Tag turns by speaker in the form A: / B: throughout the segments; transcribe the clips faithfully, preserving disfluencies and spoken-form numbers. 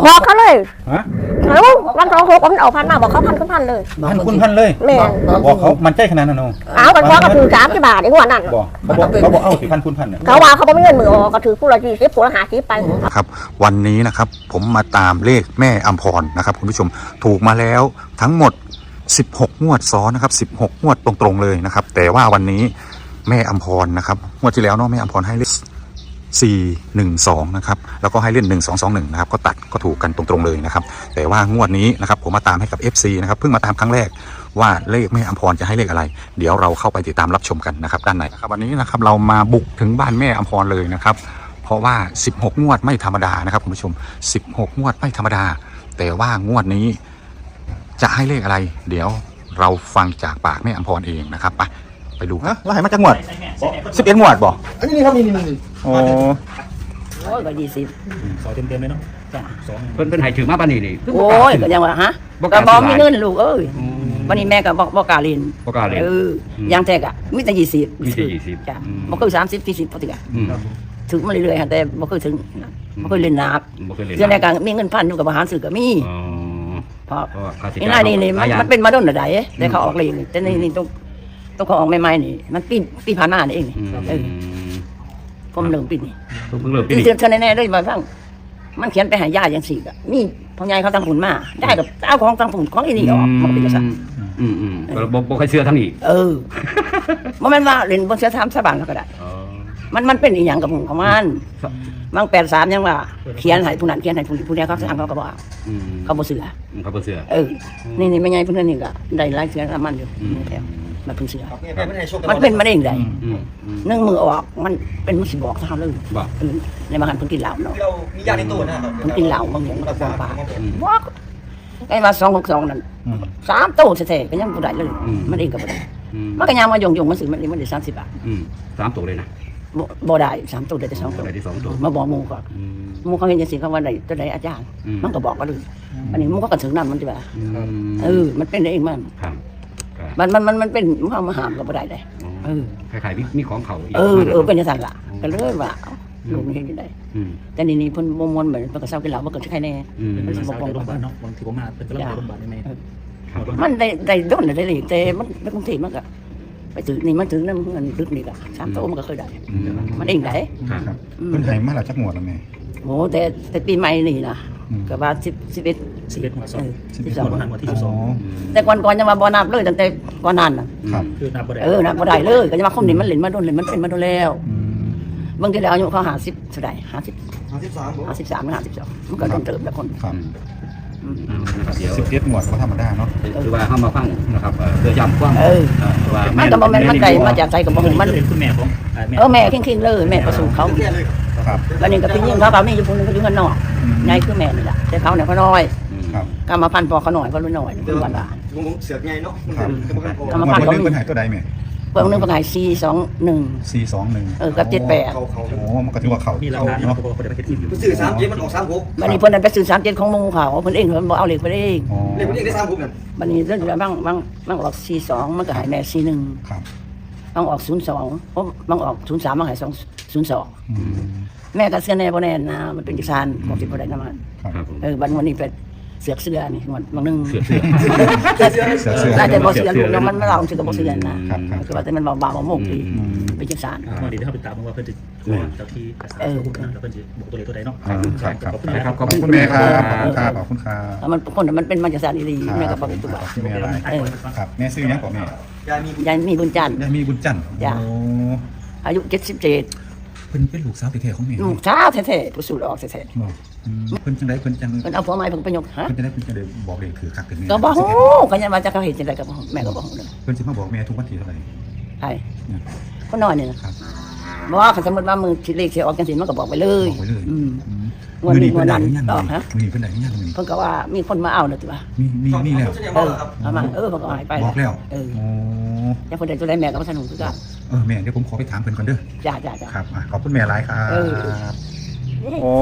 A: บอกเขาเลย
B: ฮะ
A: เอ้าวันสองหกมันออกพันมาบอกเขาพันคุณพันเลย
B: พันคุณพันเลย
A: แม่
B: บอกเขามันใจขนาดนั้นเนาะ
A: เอากันว่าก็ถือสามสิบบาทไอ้หัวนั่น
B: บอกเขาบอกเขาบอกเอาสิพันคุณพันเนี่ย
A: เขาว่าเขาไม่มีเงินมือออกก็ถือผู้ละยี่สิบผู้ละห้าสิบไป
C: ครับวันนี้นะครับผมมาตามเลขแม่อัมพรนะครับคุณผู้ชมถูกมาแล้วทั้งหมดสิบหกงวดซ้อนนะครับสิบหกงวดตรงๆเลยนะครับแต่ว่าวันนี้แม่อัมพรนะครับงวดที่แล้วเนาะแม่อัมพรให้เลขสี่หนึ่งสองนะครับแล้วก็ให้เล่นหนึ่งสองสองหนึ่งนะครับก็ตัดก็ถูกกันตรงๆเลยนะครับแต่ว่างวดนี้นะครับผมมาตามให้กับ เอฟ ซี นะครับเพิ่งมาตามครั้งแรกว่าเลขแม่อัมพรจะให้เลขอะไรเดี๋ยวเราเข้าไปติดตามรับชมกันนะครับด้านในนะครับวันนี้นะครับเรามาบุกถึงบ้านแม่อัมพรเลยนะครับเพราะว่าสิบหกงวดไม่ธรรมดานะครับคุณผู้ชมสิบหกงวดไม่ธรรมดาแต่ว่างวดนี้จะให้เลขอะไรเดี๋ยวเราฟังจากปากแม่อัมพรเองนะครับไปไปดูฮะว่าให้มาจากงวดสิบเอ็ดงวดบ่
B: อันนี้ครับนี่นี่นี่โอ้
D: โอ้ยก็ยี่สิบ
B: สองเต็มเต็มเลยเนาะสอง
E: เพิ่นเพิ่นให้ถือมาปานนี้นี่
D: โอ้ยก็ยังว่าฮะก็บอกมีเงินลูกเอ้ยวันนี้แม่ก็บอกบอกกล้าเรียน
E: บ่กล้าเล่น
D: เออยังแท้กะมีแต่ยี่สิบ
E: มีแต่ยี่สิบ
D: จ้ะ
E: อืม
D: บ่เคยสามสิบสี่สิบปกติกะ
E: อืม
D: ถึงมาเรื่อยๆแต่บ่เคยถึงบ่เคยเล่นหนัก
E: บ่เคยเล่น
D: เรื่องในการมีเงินพันอยู่กับอาหารสื่อก็มี
E: อ๋อ
D: เพราะ
E: เพราะว่าค่าใช้
D: นี่
E: จ่าย
D: นี่นี่มันมันเป็นมาโดนใดแต่เขาออกเรียนแต่นี่นี่ต้องต้องเขาออกใหม่ๆนี่มันปีปีผ่านมานี่เองนี่
E: อืม
D: เออผมเริ่มปีนี้
E: เพิ่งเริ่มปี
D: ปี
E: นี้
D: เทือนแน่ๆเลยมาฟังมันเขียนไปหาญาติอย่างสี่กะมีพ่อใหญ่เขาตั้งผุนมาได้กับเอาของตั้งผุนของอีนี่ออกมันเป็นกษัตริย์
E: อืมอืมก็บ่บ่ค่อยเชื่อทั้งนี้
D: เออมันแม่นว่าเล่นบนเสือทามสะบานเขาก็ได้
E: อ๋อ
D: มันมันเป็นอีหยังกับหมู่ของมันบางแปดสามยังว่าเขียนให้ผู้นั้นเขียนให้ผู้นี้ผู้นี้เขาสั่งเขาก็บอก
E: อืม
D: เขาบ่เสือ
E: เขาบ่เชื่อ
D: เออนี่นี่ไม่ใหญ่เพิ่นนี่ก็ได้หลายเสือน้ำมันอยู่นี่แถวมันเพิ่งเสือมันเป็นมาได้ยังไง
E: อืมอืม
D: นึ่งมือออกมันเป็นมุสิบอกเท่าเลย
E: บ่
D: เออในบางคันเพิ่งกินเหล้าเนาะ
F: เรามียาในตู้นะครับ
D: เพิ่งกินเหล้าบางอย่างมันก็ฟ้องป่า
E: อืม
D: บอกไอ้มาสองหกสองนั่นสามโต๊ะแท้ๆก็ยังบ่ได้เลย
E: อืม
D: มันเองก็บ่ได้
E: อืม
D: มันก็ยังมายงๆมันซื้อมันมันได้สามสิบบาท
E: อืมสามตัวเลยนะ
D: บ่บ่ได้สามโต๊ะได้แต่สอง
E: ตั
D: โต๊ะ
E: วไหนที่สองตัว
D: มาบอกหมู่ก่อน
E: อืม
D: หมู่เขาเห็นจังซี่เขาว่าได้ตัวใดอาจารย์
E: อืม
D: มันก็บอกว่าเลยอันนี้หมู่ก็กันถึงนั้นมันสิว่า
E: อืม
D: เออมันเป็นได้เองมัน
E: ครับครับ
D: มันมันมันมันเป็นมันเอามาหามก็บ่ได้เลยเออ
E: คล้ายๆมีมีของเขาอีก
D: เออเออเป็นจังซั่นล่ะก็เลยว่าเอ้าลูกนี่เฮ็ดจังได๋
E: อืม
D: แต่นี่นี่เพิ่นบ่ม่วนเหมือนเพิ่นก็เซากินเหล้าบ่เกิดใครแน่
E: อืม
D: มันสิบ่
F: สาว
D: ปอง
F: โรงพยาบาลเนาะบางทีผมมาเป็นกระลาโรงพยาบาลได้ไหม
E: ครับ
D: มันได้ได้โดนได้เลยแต่มันไปกรุงเทพมันก็ไปถึงนี่มันถึงนำเงินลึกนี่ก็สามโต๊ะมันก็เคยได้
E: อืม
D: มันเองได้
B: ครับเพิ่นให้มาแล้วจักงวดแล้วแม่
D: โหแต่แต่ปีใหม่นี่นะ
B: อืม
D: ก็ว่าสิบสิบเอ็ด
F: สิบเอ็ดหัวสอง
D: สิบสอง
F: หัวหันหัวที่สิบสอง
D: แต่ก่อนก่อนยังมาบ่นับเลยตั้งแต่ก่อนนั้นน่ะ
B: ครับ
F: คือนับบ่ได้
D: เออนับบ่ได้เลยก็จะมาคมนี่มันเล่นมาโดนเล่นมันเป็นมาโดนแล้ว
B: อืม
D: บางทีแล้วอายุเขาหาสิบเท่าใดห้าสิบ
F: ห้าสิบสาม
D: ห้าสิบสามหรือห้าสิบสองมันก็โดนเติมแล้วคน
B: ครับ
D: อืม
E: อืมเดี๋ยว
B: สิบเอ็ดงวดก็ธรรมดาเนาะ
E: คือว่าเข้ามาฟังนะครับเอ่อเพื่อย้ำความ
D: เออ
E: เอ่อว่า
D: มันก็บ่แม่นมันไกลมาจากใจกับบ่ฮู้มัน
F: เป็นคุณแม่ของแม่
D: เออแม่คิงๆเลยแม่ประสูติเขา
B: ครับ
D: วันนี้ก็พี่ยิ่งเขาเขามีอยู่คนนึงเขาอยู่ข้างนอกไงคือแม่นี่แหละแต่เขาเนี่ยเขาน้อย
E: อืม
B: ครับ
D: กรรมพันธุ์พอเขาหน่อยเขารุ่นหน่อยคือวันละ
F: ผมเสือกไงเนาะ
B: ครับ
D: กรรม
B: งว
D: พัน
B: ด
D: ธุ์
B: วัน
D: เขา
B: นึง
D: มี
B: เพิ่นให้ตัวใดแม่
D: เพิ่งนึงเพิ่งหายสี่สองหนึ่ง
B: สี่สองหนึ่ง
D: เออกับเจ็ดแปด
F: เขาเขา
B: โอ้มันก็ถือว่าเขา
F: มีหลัก
B: เขา
F: ฐาน
B: เนาะ
F: เขาบอกเขาได้ไปคิดอยู่
G: สื่อสามเจ็ดมันออกสามหก
D: วันนี้เพิ่นนั้นไปสื่อสามเจ็ดของหมูเขาเพิ่นเองเพิ่นบอกเอาเหล็กไปเอง
B: อ๋อ
G: เลขมันเองได้สามหกนั่น
D: วันนี้เรื่องบางบางบางออกสี่สองมันก็หายแม่สี่หนึ่ง
B: ครับ
D: บางออกศูนย์สองเพราะบางออกศูนย์สามบางหายสองศูนย์สอง
B: อืม
D: แม่ก็เสื้อแน่บ่แน่นะมันเป็นกิจการบอกสิบ่ได้น้ำมัน
B: ครับ
E: ครับผม
D: เออวันวันนี้เป็นเสือกเสื้อนี่วันบางนึง
E: เสือเสือ
B: เสือเสือ
D: ได้แต่บ่เสือลูกแล้วมันไม่เราชื่อก็บ่เสือนะ
B: ครั
D: คื
B: บ
D: อว่าแต่มันเบาๆบ่โมกดี
B: อืม
D: เป็นกิจการ
F: มาดีถ้าไปตามว่าเพิ่นจะเจ้าที่กระสาตัวคุณแล้วเพิ่นจะบอกตัวเลขตัวใดเนาะ
B: ครับครับ
F: ขอบคุณ
B: ครับ
F: ครับ
B: ขอบคุณแม่ครับขอบคุณครับขอบคุณครับ
D: แล้วมันคนมันเป็นมาจากสารดีๆแม่ก็
B: ค
D: บ
B: รั
D: อบ กตัว
B: ขอบคุณแม่อะไร
D: เออ
B: ครับแม่ซื้อยังก่อนแม่
G: ยายมี
D: ยายมีบุญจันทร์
B: ยายมีบุญจันทร์
D: จ้ะ
B: โอ้
D: อายุเจ็ดสิบเจ็ด
B: เพิ่นเป็นลูกสาวแท้ๆของแม่
D: ลูกสาวแท้ๆผู้สูดออกแท้
B: บอกอืมเพิ่นจังไดเพิ่นจัง
D: ๆมันเอาผัวใหม่เพิ่นไปยกฮะ
B: เพิ่นจังไดเพิ่นจังไดบอกเลยถือคักถึงแม่
D: ก็บอกโอ้ก็ยังมาจากเขาเห็นจังไดก็บ่แม่ก็บอกเลย
B: เพิ่นสิมาบอกแม่ทุกวันที่เท่าไหร่
D: ใช่ก็นอนนี่นะครับ บอกว่าคันสมมุติว่ามือสิเลขสิออกจังซี่มันก็บอกไปเลย
B: บอกไว้เลย
D: อืม
B: อืม
D: งวดนี้
B: มื้อนี้เพิ่นได้หรือยัง
D: งวดนั้น
B: มื้อ
D: ฮะ
B: นี้เพิ่นได้หรือยังมื้อนี้
D: เพิ่นก็ว่ามีคนมาเอาน่ะติว่า
B: มีมีมีแล้ว
D: เออเอามาเออเพิ่นก็หายไป
B: บอกแล้ว
D: เออ
B: โอ้
D: ยังเพิ่นได้ตัวใดแม่ก็บ่สนุกคือกัน
B: เออแม่เดี๋ยวผมขอไปถามเพิ่นก่อนเด้อ
D: จ้าจ้าจ้า
B: ครับอ่ะขอบคุณแม่หลายครับ
D: เออ
B: โอ้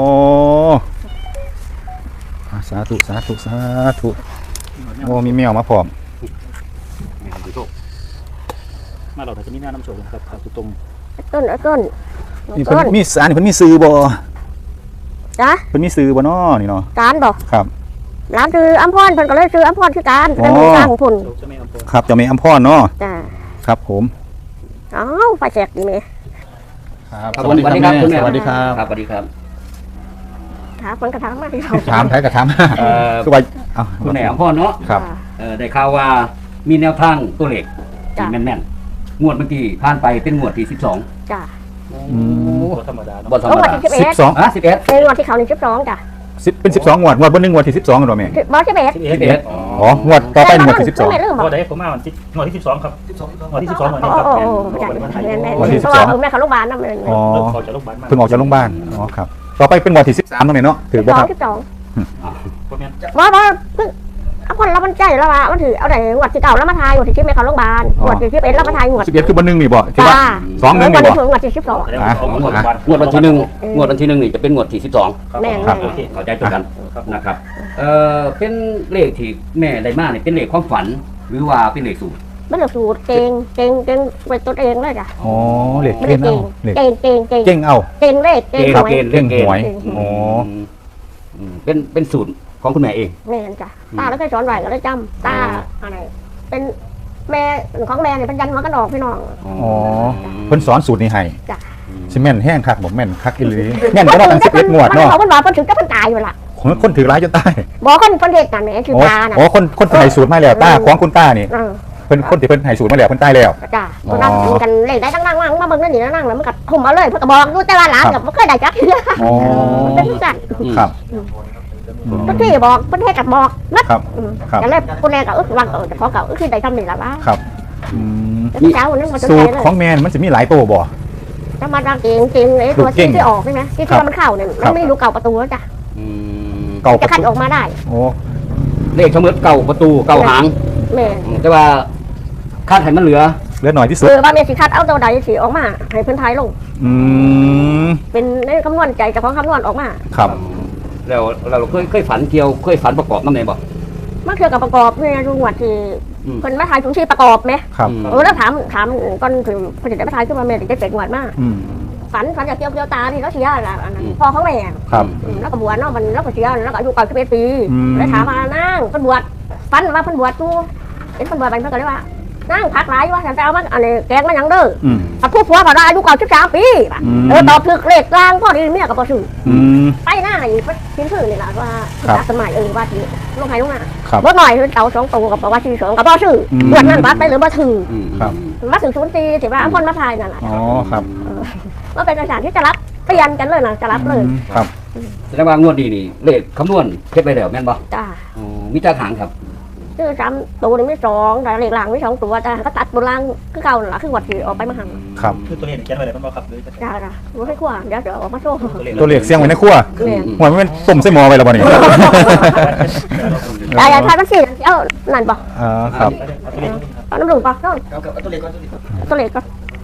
B: อ่ะสาธุสาธุสาธุโอ้มีแมวมาพร้อม
F: มาเราแต่จะมีหน้าน้ำโชว์นะครับถูกตรง
A: ต้นต้น
B: นี่
A: ต้
B: เพิ่น
A: น
B: มีสารนี่เพิ่นมีซื้อบ่
A: จ้ะ
B: เพิ่นมีซื้อบ่น้อนี่เนาะ
A: การบอก
B: ครับ
A: ร้านคืออัมพรเพิ่นก็เลยซื้ออัมพรคือการเป็น
B: อ๋อ
A: มือสร้างของพุ่น
F: ลูกจะไม่เอาโพน
B: ครับเจ้าแม่อัมพรเนาะ
A: จ้ะ
B: ครับผม
A: อ้าวไฟแสกดีไหม
B: ครับ
E: ครับผมสวัสดีครับคุณแม่
B: สวัสดีครับ
E: ครับสวัสดีครับ
A: ถามคนกระถางมาที่เรา
B: ถามไผก็ถาม
E: เอ่อ
B: คือว่าเอ้า
E: คุณแม่ของพ่อเนาะ
B: ครับ
E: เอ่อได้ข่าวว่ามีแนวทางตัวเลขที่แม่นๆงวดเมื่อกี้ผ่านไปเป็นงวดที่สิบสอง
A: จ้ะ
B: อืม
F: โพธรรมดาเนาะ
E: บ่ธรร
A: แล้ว
E: ม
A: วัน
E: ดา
A: ที่สิบเอ็
B: สิ
A: ด
B: บสอง
E: อ่ะสิบเอ็ด
A: ในวันที่เขาหนึ่งสิบสองจ้ะ
B: สิบเป็นสิบสองงวดงวดบ่หนึ่งงวดที่สิบสองกันบ่แม่
A: บอสสิบเอ็ด
F: สิบเอ็
E: สิบ
F: ด
E: เอ็ด
B: อ๋องวดต่อไปงวดที่สิบสอง
A: ไม่ลืมบ
F: พ
A: อ
F: อก ได้ผมมาวันที่งวดที่สิบสองครับ
G: สิบสอง
F: งวดที่สิบสองวัน
A: โอ้
F: นี้ครับ
A: โอ้
F: แม่
A: โอ้
F: น
A: จ้ะ
F: วันวันไทย
A: แม่นแม่น
B: วันที่
A: เพ
B: สิบ
A: ราะ
B: สอ
A: ว่าง แม่เขาโรงพยาบาลนั่นเลย
B: อ๋อ
F: เริ่มออกจากโรงพยาบาลมา
B: เพิ่งออกจากโรงพยาบาลอ๋อครับต่อไปเป็นงวดที่สิบสามตรงนี้เนาะถือ
A: ส
B: บ่
A: อ
B: ค
A: ง
B: รับ
A: สิบสอง
F: พวกแม่น
A: ว่าว่าเพิ่งเอาคนเรามันใจแล้วว่ามันถือเอาไหนงวดที่เก่าแล้วมาทายงวดที่ชิปแม่เขาโรงพยาบาลงวดที่ชิปเอ็ดแล้วมาทายงวด
B: สิบเอ็ดคือบ่หนึ่งนี่บ่ที่ว่า
A: จ้า
B: สองหนึ่ง
A: งว
B: นี่
A: ด
B: บ่
A: ที่งวดที่สิบสอง
F: แสดงว่าเอางวดวัน
E: งวดวันที่หนึ่งงวดวันที่หนึ่งนี่จะเป็นงวดที่สิบสอง
F: ครับ
A: แม่น
B: ครับ
A: แม่
E: โอน เคเข้าใจตรงกันนะครับเอ่อเป็นเลขที่แม่ได้มาเนี่ยเป็นเลขความฝัน หรือว่าเป็นเลขสูตร
A: ไม่ได้สูตรเก่งเก่งเก่งเป็นตัวเองเลยจ้ะ
B: อ๋อเหล็ก
A: ไม่
B: เก่
A: ได้
B: ง
A: เก่
B: เอา
A: ง
B: เหล็ก
A: เก่งเก่งเก่ง
B: เก่งเอา
A: เก่งเลขเก่ง
E: เกณ
A: ห
E: ฑ์
A: วย
E: เกณฑ์
B: เก่ง
E: เก
B: ห
E: ณ
B: วย
E: ฑ์
B: อ๋อ
E: อืมเป็นเป็นสูตรของคุณแม่เอง
A: แม่นจ้ะตาแล้วเคยสอนไหวก็เลยจำตาอะไรเป็นแม่ของแม่เนี่ยเป็นยันหัวกระดอกพี่น้อง
B: อ๋อเพิ่นสอนสูตรนี้ให้
A: จ้ะ
B: สิแม่นแห้งคักบ่แม่นคักอีหลีแม่นก็ว่าตั้งสิบเอ็ดงวด
A: มัน
B: เนาะ
A: เขาเป็นว่าเพิ่นถึงจะเพิ่นตายอยู่ล่ะ
B: คนคนถือร้ายจนตาย
A: บอกคนเพิ่นเฮ็ดกันแหมคือ
B: อ๋อ
A: ตาน่ะ
B: อ๋อคนคนที่ให้สูตรมาแล้วตาของคุณตานี่
A: เออ
B: เพิ่นคนที่เพิ่นให้สูตรมาแล้วเพิ่นตายแล้ว
A: จ้ะ
B: อ๋อ
A: มันนั่งกินกันเลขได้ตั้งนั่งว่างมาเบิ่งนั่นนี่นั่งแล้วมันก็คุมเอาเลยเพิ่นก็บอกอยู่แต่ว่าหลานก็บ่เคยได้จักเทื่อ
B: อ๋อ
A: มันเป็นจัง
B: ครับอืม
A: ทุกที่บอกเพิ่นเฮ็ดก็บอกนะครับ อืม
B: ครับ
A: แต่เลยคนแรกก็อึกวางก็จะขอก็อึกคือได้ทำนี่ล่ะว่า
B: ครับอืม
A: แต่ที่เช้าวันนั้นมันจะ
B: สู
A: ใช้
B: ตร
A: เลย
B: ของแม่นมันสิมีหลายตัวบ่
A: ถ้ามาดังเก่งเก่งไอ้ตัว
B: ลูกเก่
A: ที่
B: ง
A: ที่ออกใช่ไหมที่
B: ครั
A: ที่
B: บ
A: ว่ามันเข้าเนี่ย
B: ครั
A: มัน
B: บ
A: ไม่รู้เก่าประตูแล้วจ้ะ
E: อืม
B: เก่า
A: จะคัดออกมาได้
B: โอ้
E: เลขเสมอเก่าประตูเก่าหาง
A: แม่
E: แต่ว่าคาดให้มันเหลือ
B: เหลือหน่อยที่สุด
A: คือว่าแม่สิคัดเอาตัวใดสิออกมาให้เพิ่นทายลง
B: อืม
A: เป็นในคำนวณใจจากของคำนวณออกมา
B: ครับ
E: แล้วเราเคยเคยฝันเกี่ยวเคยฝันประกอบน้ำไหนบ่
A: มันคือกับประกอบเนี่ยดูงวดที่
E: อืม
A: เพิ่นมาทายถุงชีประกอบไหม
B: ครับ
A: เออแล้วถามถามก่อนถึงเพิ่นจะได้มาทายขึ้นมาแม่ถึงจะเจ็ดงวดมาก
B: อืม
A: ฝันฝันจากเกี่ยวเกี่ยวตาที่เราเสียละอันนั้นพ่อของแม่
B: ครับ
A: อืมแล้วก็บวชเนาะมันแล้วก็เสียแล้วก็อายุเก่าสิบเอ็ดปี
B: อืม
A: แล้วถามมานั่งเพิ่นบวชฝันว่าเพิ่นบวชตู้เห็นเพิ่นบวชไปเพิ่นก็เลยว่านั่งพักหลายว่าฉันจะเอามาอันนี้แกงมาหยังเด้อ
B: อืม
A: เอาผู้ผัวเขาได้อายุเก่าสิบสามปี
B: อืม
A: เออตอบถึกเลขกลางพ่อดีเมียกับพ่อชื่อ
B: อืม
A: ไปหน้าอีกทิ้งชื่อนี่แหละว่า
B: ครับ
A: จากสมัยเออว่าที่ลงไห้ลงหน้า
B: ครับ
A: รถหน่อยคือเต่าสองตัวกับว่าชื่อสองกับพ่อชื่อ
B: อืม
A: บวชนั่นบัดไปหรือบ่ถือ
E: อืม
B: ครับ
A: มาถึงศูนย์ตีถือว่าอัมพลมาพายนั่นแหละ
B: อ๋อครับ
A: ว่าเป็นอาจารย์ที่จะรับเปลี่ยนกันเลยนะจะรับเลย
B: อืมครับ
E: แสดงว่างวดนี้นี่เลขคำนวณเฮ็ดไปแล้วแม่นบ่
A: จ้า
E: อ๋อมีจักหางครับ
A: ชื่อสามตัวนี่ไม่สองแต่เลขหลังไม่สองตัวจ้าก็ตัดบนล่างคือเก่านั่นแหละคือวัดที่ออกไปมาหัง
B: ครับ
F: คือตัวเลขเขียนไว้เลยมันบ่ครับหรือจะ
A: จ้าจ้ารู้ให้กว่าเดี๋ยวเดี๋ยวออกมาโชว์
B: ตัวเหล็กเสียงไว้ในครัว
A: เนี่ย
B: หัวมันเป็นต้มไส้หม้อไว้แล้วบ่นี่
A: แต่อย่าทายมันสิเอ้านั่นปะ
B: อ่าครับ
F: เอาตัวเลขนี่ครับ
A: เอาน้ำหนึ่งปะน้อง
G: เอาเอาตัวเล็กก่อนตัวเล็กก่อน
A: ตัวเล็กก็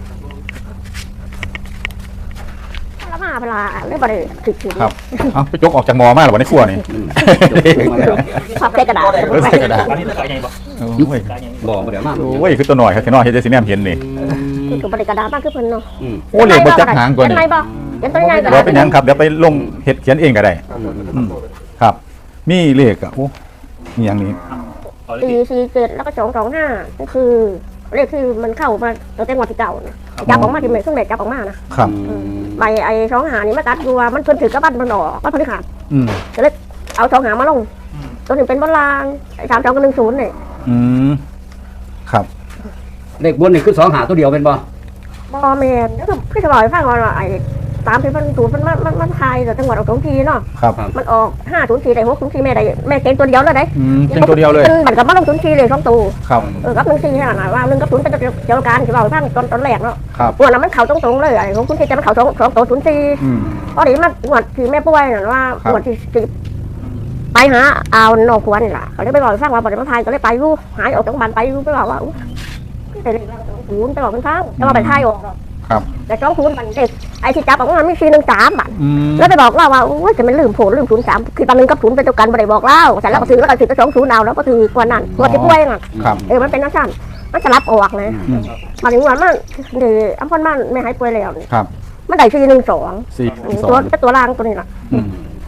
A: ละมาเวลาเลยบ่ได้ถึกถึง
B: ครับเอาไปจกออกจากหม้อมาแล้วบ่ในครัวนี่
E: อืมจบมาแล้ว
A: พับใส่กระดาษ
B: เออใส่กระดาษ
F: ตอนนี้ตัวใหญ่บ่
B: โอ้ย
F: ตัวใหญ่
E: บ่บ่เดี๋ยวมา
B: โอ้ยคือตัวหน่อยครับที่น้อยเฮ็ดได้สิแนมเห็นนี่
A: คือกับบริกระดาษมากคือเพิ่นเนาะ
E: อืม
B: โอ้เหล็กบ่จักหางกว่า
A: เห็น
B: นี่
A: ไหมบ่เห็นตัวใหญ่กระ
B: บ่
A: ดาษ
B: เป็นหยังครับเดี๋ยวไปลงเฮ็ดเขียนเองก็ได้อืมครับ มีเลขอ่ะโอ้มีอย่างนี้
F: เอาเลข
A: สี่สี่เจ็ดแล้วก็สองสองห้าก็คือเลขที่มันเข้ามาตั้งแต่งวดที่เก่านะจับออกมาที่เมย์ซึ่งเด็กจับออกมานะครับ
E: อืม
A: ใบไอ้สองหานี่มาตัดดูว่ามันเพิ่นถือกระบันมันออกมันพฤหัส
B: อืม
A: ก็เลยเอาสองหามาลงตัวหนึ่งเป็นบอลลางไอ้สามสองกับหนึ่งศูนย์เนี่ย
B: อืมครับ
E: เลขบนนี่คือสองหาตัวเดียวเป็นบ่
A: บอแมนก็คือพี่สบายฟังว่าไอ้ตามที่มันศูนย์มันมันมันมันทายแต่จังหวัดออกสองทีเนาะ
B: ครับ
A: มันออกห้าศูนย์สี่ได้หกศูนย์สี่แม่ได้แม่เก่งตัวเดียวเลยได้
B: อืมเป็นตัวเดียวเลย
A: มันกับมาลงศูนย์สี่เลยสองตัว
B: ครับ
A: เออกับหนึ่งสี่ขนาดว่าหนึ่งกับศูนย์เป็นตัวเดียวกันที่เราฟังตอนตอนแรกเนาะ
B: ครับ
A: ปวดแล้วมันเข่าตรงๆเลยไอ้ของคุณที่จะมันเข่าสองสองตัวศูนย์สี่
B: อืม
A: พอดีมาปวดที่แม่ป่วยน่ะว่า
B: ครับ
A: ปวดที่สิบไปหาเอาหนอกควรนี่ล่ะเขาเลยไปบอกฟังว่าปวดมาทายก็เลยไปรู้หายออกจากบ้านไปรู้ไปบอกว่าอุ๊ยแต่เด็กศูนย์ไปบอกมันฟังแต่ว่าไปทายออก
B: ครับ
A: แต่สองศูนย์มันเด็กไอ้ที่จับออกมาไม่สี่หนึ่งสามบาท
B: อืม
A: แล้วไปบอกเล่าว่าโอ้ยจะมันลืมโผล่ลืมศูนย์สามคือตอนนึงกับศูนย์เป็นตัวกันบ่ได้บอกเล่าแต่แล้วก็ถือแล้วก็ถือก็สองศูนย์เอาแล้วก็ถือกว่านั้นตัวที่ป่วยน่ะ
B: ครับ
A: เออมันเป็นนักสั่นมันจะรับออกนะ
B: อืม
A: มาถึงวันมันเดี๋ยวอัมพรมันไม่หายป่วยแล้วนี่
B: ครับ
A: มันได้สี่หนึ่งสอง
B: สี่สอ
A: ตัว
B: ง
A: เป็นตัวล่างตัวนี้ล่ะ
B: อืม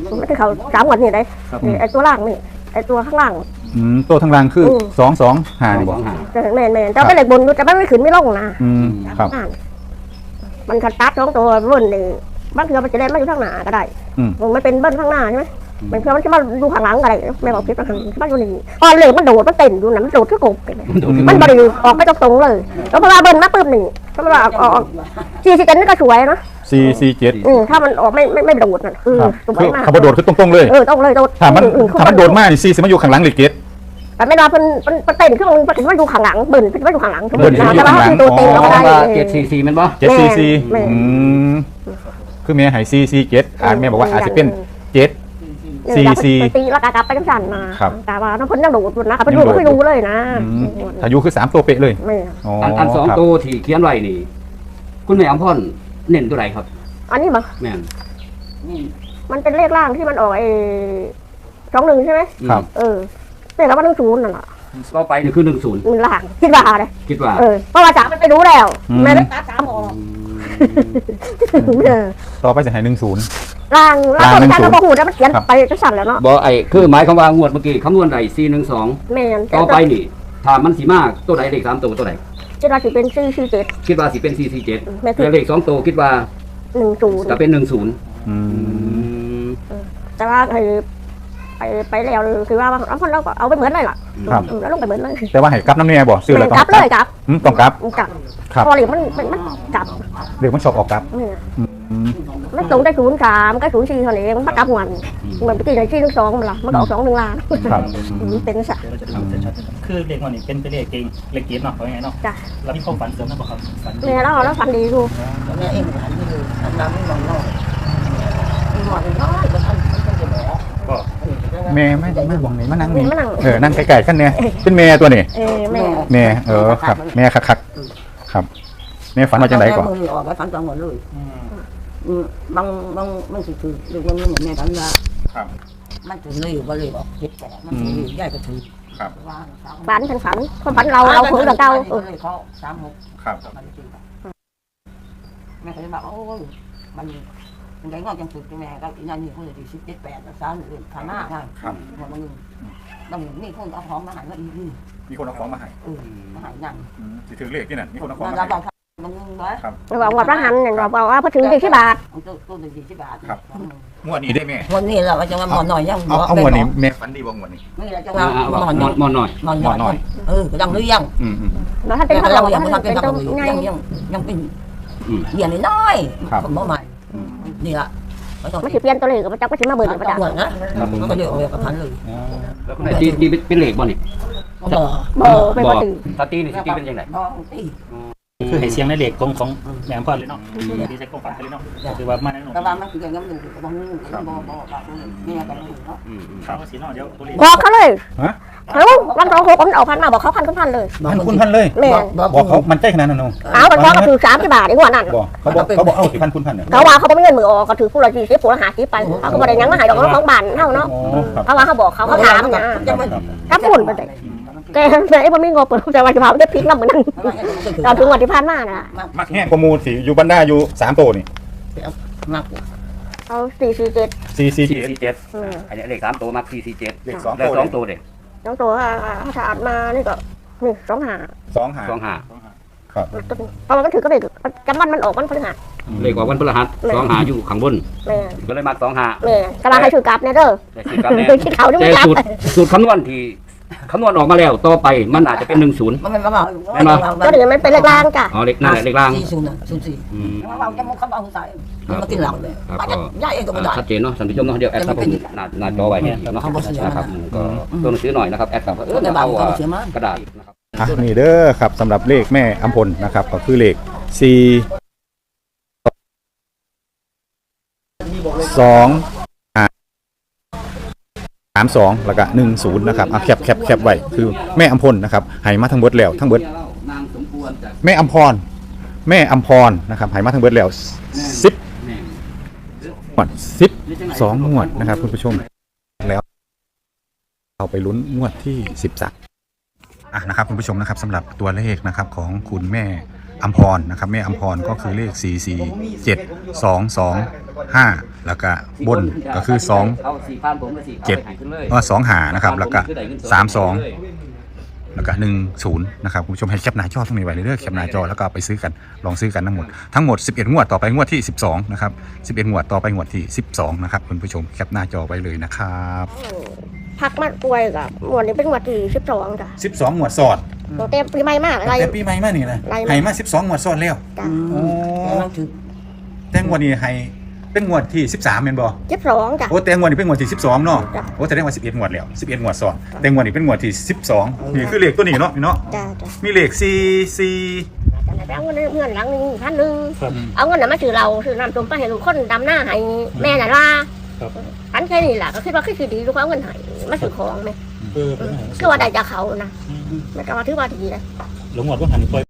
A: มันคือเขาสามวันนี่ได้ไอ้ตัวล่างนี่ไอ้ตัวข้างล่าง
B: อืมตัวทางล่างคือ
A: อืม
B: สองสองหานี่บ่
A: จะแม่นแม่นจะเป็นเหล็กบนจะไม่ขึ้นไม่ลงนะ
B: อืมครับ
A: มันคันตัดสองตัวเบิ้ลนี่บางทีมันจะได้ไม่อยู่ข้างหน้าก็ได้
B: อืม
A: มันเป็นเบิ้ลข้างหน้าใช่ไหมมันคือมันจะมาดูข้างหลังก็ได้แม่บอกพิษมันมันอยู่นี่พอเหล็กมันโดดมันเต้นอยู่นะมันโดดขึ้นกบมันบริออกไม่ตรงๆเลยแล้วพอมาเบิ้ลมาปึ๊บนี่ก็มาออกสี่สิบเจ็ดนี่ก็สวยนะ
B: สี่สี่เจ็ด
A: อืมถ้ามันออกไม่ไม่ไม่โดดน่ะคือ
B: ครับ
A: สว
B: คื
A: ย
B: อ
A: มาก
B: ขับโดดคือตรงๆเลย
A: เออต้องเลยโดด
B: ถ้ามัน
A: อื
B: ถ้ามันโดดมากนี่สี่สิมันอยู่ข้างหลังเลยเกต
A: แต่ไม่ได้เป็นเป็นเป็นเต้นเครื่องมันมันอยู่ข้างหลังเบิ้ลมันอยู่ข้างหลัง
B: เบิ้ลมันอยู่ข้างหลัง
A: แต่ว่าตัวเต็งเราก็ได้
E: เจ็ดสี่สี่มันบ่
B: เจ็ดสี่สี่
A: แม่
B: อืมคือแม่ใหายสี่สี่เจ็ดอ่านแม่บอกว่าอาจจะเป็นเจ็ดสี่สี่
A: ตีแล้วกากลับไปจังสันมา
B: ครับ
A: แต่ว่าน้ำพ้นยังโดดอยู่นะครับเป็นดูไม่รู้เลยนะ
B: อืมอายุคือสามตัวเป๊ะเลย
A: ไม่
B: อ๋อ
E: อันอันสอง
B: ครับ
E: ตัวที่เขียนไว้นี่ คุณแม่อำพรเน้นตัวไหนครับ
A: อันนี้มั้ง
E: แม่น
A: มันเป็นเลขล่างที่มันออกไอ้สองหนึ่งใช่ไหม
B: ครับ
A: เออเนี่ยแล้วมันต้องศูนย์นั่นแหละ
E: ก็ไปนี่คือหนึ่งศูนย์
A: มันล่างคิดว่าเลย
E: คิดว่า
A: เออเพราะว่าจ๋ามันไปรู้แล้ว
B: อืม
A: แม่ได้ตัดสามออกเออ
B: ต่อไปจะใหายหนึ่งศูนย์
A: ล่างล่าง
B: ล่างหนึ่ง
A: การ
B: ศูนย์
A: เราบอกหูแล้วมันเขียน
B: ครับ
A: ไปจังสันแล้วเนาะ
E: บ่ไอ้คือหมายความว่างวดเมื่อกี้คำนวณได้สี่หนึ่งสอง
A: แม่น
E: ต่อไปนี่ถ้ามันสีมากตัวไหนเลขสามตัวตัวไหน
A: คิดว่าสิเป็นสี่สี่เจ็ด
E: คิดว่าสิเป็นสี่สี่เจ็ด
A: แม่คิด
E: แล้วเลขสองตัวคิดว่า
A: หนึ่งศูนย์
E: จะเป็นหนึ่งศูนย์
B: อืม
A: แต่ว่าไอ้ไปไปแล้วคือว่าเอาคนเราก็เอาไปเหมือนเลยล่ะ
B: ครับ
A: อืมแล้วลงไปเหมือนเลย
B: แต่ว่าให้กลับน้ำเนี่ยบ่ซื้อ
A: เห
B: แล้
A: มื
B: ว
A: อน
B: ต้อง
A: กลับเลยกลับ
B: อืมต้องกลับ
A: กลับ
B: ครับ
A: พอเหลียวมันมันมันกลับ
B: เดี๋ยวมันชอบออกกลับ
A: เนี่ย
B: อืม
A: มันสูงได้ศูนย์สามก็ศูนย์สี่เท่านี้มันกลับวันเหมือนไปกินในที่ทั้งสองมันละมันก็ออกสองหนึ่งล้าน
B: ครับ
A: อืมเป็นสัก
F: เดี๋ยวเราจะทำชัดๆคือเลขวันนี้เป็นเป็นเลขเก่งเลขเกียรติเนาะว่าไงเนาะ
A: จ้ะ
F: แล้วมีความฝันเสริมนะบอกครับฝัน
A: เนี่ยแล้วแล้วฟันดีดู
D: แม่เองหันไปดูอันนั้นไม่มองนอกมองน้อยก็ทำมันจะหมอ
F: ก็
B: แม่ไม่ไม่บอกไหนมานั่งนี่
A: มานั่ง
B: เออนั่งไกลๆกันเนี่ยเป็นแม่ตัวนี่
A: เออแม่
B: แม่เออครับ แม่คักๆครับแม่ฝันมาจากไหนก่อน
D: มือออกไปฝันกลางวันเลยบางบางมันถือถือดูมันเหมือนแม่ฝันว่า
B: ครับ
D: มันถือเลยว่าเลยบอกเจ็บแต่มันถือใหญ่ก็ถือ
B: ครับ
A: ฝันทั้งฝันคนฝันเราเราคือเราเก่าเออ
D: เขาสามหก
B: ครับ
D: แม่ก็เลยบอกโอ้ยมันมันได้งอกจังสุดแม่ก็อีนั่นนี่คนที่สิบเจ็ดแปดสามหรือข้างหน้าไง
B: ครับ
D: มันบางนี่คนเอาของมาหายว่าอีนี่
B: มีคนเอาของมาให้
D: เออมาหายนั่ง
B: อืมสิถือเลขที่นั่นมีคนเอาของ
D: เรา
B: มา
D: เรา
B: ให้
D: มันงงเลย
A: เราบอกว่าพระหันเนี่ยเราบอกว่าพอถึงสี่สิบบาท
D: ตัวตัวหนึ่งสี่สิบบาท
B: งวดนี้ได้แม่
D: วันนี้เราจะมาหมอนหน่อยยัง
B: เอาเอางวดนี้แม่ฝันดีบ่งวดนี้
D: ไม่เราจะ
E: อ่า
D: มา
E: อ่า
D: หมอนห
E: ม
D: น่
E: อ
D: อน ย
E: มอนหน่อย
D: หมอนหน่อยเออดังหรือยัง
B: อืมอืม
A: เราถ้าเป็น
D: แต่
A: พระ
D: เรา
A: เรา
D: ยังไม่
A: ถ้า
D: ทำเป็
A: เป็น น
D: ตั
A: ต้
D: ง
A: อง
D: ค์
A: ไง
D: ยังยังยังเป็น
E: อืม
D: เหรียญน้อย
B: ครับ
D: ผมใหม่นี่ละไม่ต้อง
A: มันสิเปลี่ยนตัวเลขกับมันจะไม่ใช่มาเบิร์นประ
D: จั
A: จั
D: บ
A: กษ์
D: หัวนะมันก็เดี๋ยวเอากับพันเลย
E: แล้วคุณแม่ตีตีเป็นเป็นเลขบ่นี่
D: บ่
A: โบเป็นปกติ
E: ถ้าตีนี่สิตีเป็นยังไง
D: บ่ตี
F: คือให้เสียงในเลขของของแม่พ่อเลยเนาะดีใจความฝันไปเลยเนาะคือว่ามาแน่นอน
D: แต่ว่ามันคือยังอยู่บางนึงบ่บ่บ่แม่กันอยู่เนาะ
E: อืมอืม
F: ถามว่าสีเนาะเดี๋ยวตัวเลข
A: บอกเขาเลย
B: ฮะ
A: เขาวันสองหกผมออกพันมาบอกเขาพันคุณพันเลย
B: พันคุณพันเลย
A: แม่
B: บอกเขามันใจขนาดนั้นเนาะ
A: เอาไปบอกก็ถือสามสิบบาทไอ้หัวนั่น
B: บอกเขาบอกเขาบอกเอาสิพันคุณพันเนี่ย
A: เขาว่าเขาไม่เงินมือออกก็ถือผู้ละสี่สิบผู้ละห้าสิบไปเขาก็บ่ได้ยังมาหายดอกของบ้านเท่าเนาะ
B: อ๋อครับ
A: เพราะว่าเขาบอกเขาเขาถามนะ
D: จะมัน
A: ถ้าฝุ่นไปเลยแกไอ้บ่มีงบเปิดใจว่าจะพาไปพลิกน้ำเหมือนนั่นตอนถึงวันที่ผ่านมาน่ะ
B: มักแห้งกว่าหมูสิอยู่บรรดาอยู่สามตัวนี่
D: มาก
A: เอาสี่สี่เจ็ด
B: สี่สี่
E: สี่
B: เจ็ด
E: สี่เจ็ดอันนี้เลขสามตัวมักสี่สี่เจ็ด
B: เลขสอง
E: แล้ว
B: ตัว
E: สองตัวเด็ก
A: น้องตัวถ้าสะอาดมานี่ก็นี่สองหา
B: สองหา
E: สองหา
B: ครับ
A: เพราะมันถือก็เลยจำมันมันออกมันพฤหัส
E: เลขออกวันพฤหัสสองหาอยู่ข้างบน
A: แม่
E: ก็เลยมักสองหา
A: แม่กำลังให้ถือกลับเนี่ยเด้อ
E: แต่สิกับแน่
A: คิดเขานี่ไม่
E: แต่
A: กลับ
E: สูตรสูตรคำนวณที่คำนวณออกมาแล้วต่อไปมันอาจจะเป็นหนึ่งศูนย์
D: มันก็บอก
A: ก็เดี๋ยวมันเป็นเลขล่างจ้ะ
E: อ๋อเลขนั่นแหละเลขล่าง
D: สี่ศูนย์ศูนย์สี่
E: อืม
D: เราจะมุกเขาเอาใส่มากินเหล้าเลยย่าเองก็ไม่ได้
E: ชัดเจนเนาะท่านผู้ชมเนาะเดี๋ยวแอดครับผมหน้าหน้าจอไว้ให้เนาะนะครับก็ตัวหนังสือหน่อยนะครับแอดครับเออเอากระดาษนะครับ
B: อ่ะนี่เด้อครับสำหรับเลขแม่อัมพลนะครับก็คือเลขสี่สองห้าสามสองแล้วก็หนึ่งศูนย์นะครับอ่ะแคปแคปแคปไว้คือแม่อัมพลนะครับให้มาทั้งเบิดแล้วทั้งเบิดแม่อัมพรแม่อัมพรนะครับให้มาทั้งเบิดแล้วสิบงวดสิบสองงวดนะครับคุณผู้ชมแล้วเราไปลุ้นงวดที่สิบสามอ่ะนะครับคุณผู้ชมนะครับสำหรับตัวเลขนะครับของคุณแม่อัมพรนะครับแม่อัมพรก็คือเลขสี่สี่เจ็ดสองสอง
C: ห้าแล้วก็บนก็คือสอง
E: เอาสี่พันผมก็สี่
C: เจ็ด
E: อาไปหาขึ้นเลย
C: เออสองหานะครับแล้วก็
E: พันผมคือได้เงิน
C: สามสอง แล้วก็หนึ่งศูนย์นะครับคุณผู้ชมให้แคปหน้าจอตรงนี้ไว้เลยเด้อแคปหน้าจอแล้วก็เอาไปซื้อกันลองซื้อกันทั้งหมดทั้งหมดสิบเอ็ดงวดต่อไปงวดที่สิบสองนะครับสิบเอ็ดงวดต่อไปงวดที่สิบสองนะครับคุณผู้ชมแคปหน้าจอไว้เลยนะครับ
A: พักมาป่วยกับหมวดนี้เป็นหมวดที่สิบสองจ้ะ
C: สิบสองงวดสอด
A: ตั้งแต่ปีใหม่มากอะไร
C: แต่ปีใหม่มานี่นะ
A: ไล่มา
C: ให้มาสิบสองงวดสอดแล้ว
A: จ้ะ
C: โอ้
D: กำลังถือ
C: แต่งวดนี้ให้เป็นงวดที่สิบสามแม่นบ่
A: สิบสองจ้ะ
C: โอ้แต่งวดนี้เป็นงวดที่สิบสองเนาะ
A: จ้ะ
C: โอ้แต่ได้งวดสิบเอ็ดงวดแล้วสิบเอ็ดงวดสอดแต่งวดนี้เป็นงวดที่สิบสองนี่คือเลขตัวนี้เนาะพี่เนาะ
A: จ้ะจ้ะ
C: มีเลขสี่สี่
A: แต่เอาเงินเงินหลังหนึงพันหนึ่ง
F: ครับ
A: เอาเงินน่ะมาซื้อเราซื้อน้ำต้มไปให้ลูกคนดำหน้าให้แม่น่ะล่ะ
F: ครับ
A: อันแค่นี้แหละก็คิดว่าคือดีลูกเขาเอาเงินให้มาซื้อของไหม
F: เออเป็นไง
A: คือว่าได้จากเขานะไม่ก็ว่าถือว่าดีเลย
F: หลงหมดก็หันไป